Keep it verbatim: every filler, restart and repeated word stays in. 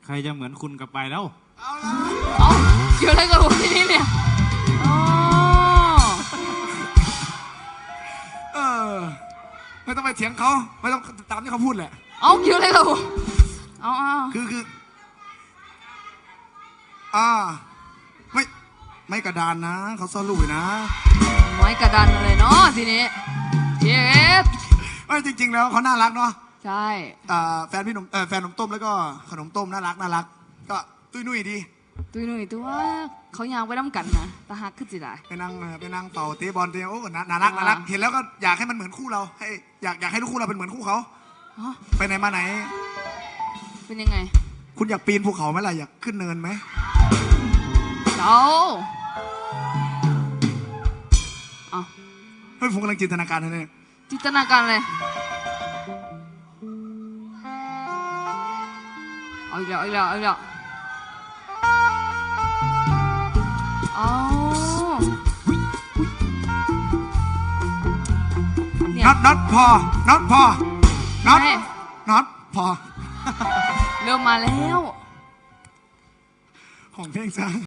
ใครจะเหมือนคุณกับไปแล้วเอาละเอาเกี่ยวอะไรกับผมที่นี่เนี่ยอ๋อเออไม่ต้องไปเถียงเขาไม่ต้องตามที่เขาพูดแหละเอาเกี่ยวอะไรกับผมเอาเอาคือคืออ่าไม่ไม่กระดานนะเขาซ่อนลูกอยู่นะไม้กระดานอะไรเนาะทีนี้เจ็บไม่จริงๆแล้วเขาน่ารักเนาะใช่อ่าแฟนพี่หนุ่มเออแฟนขนมต้มแล้วก็ขนมต้มน่ารักน่ารักก็ตุ้ยนุ่ยดีตุ้ยนุ่ยตัวเขายางไปน้ำกันนะตาหักขึ้นสิได้ไปนั่งไปนั่งเป่าเตะบอลเตะโอ้น่ารักน่ารักเห็นแล้วก็อยากให้มันเหมือนคู่เราให้อยากอยากให้ลูกคู่เราเป็นเหมือนคู่เขาไปไหนมาไหนเป็นยังไงคุณอยากปีนภูเขาไหมล่ะอยากขึ้นเนินไหมเจ้าเอาเฮ้ยผมกำลังจินตนาการเลยเนี่ยจินตนาการเลยเอาอีกแล้วเอาอีกแล้วเอาอีกแล้วอ๋อน็อตน็อตพอน็อตพอน็อตน็อตพอเริ่มมาแล้วของเพลงจ้า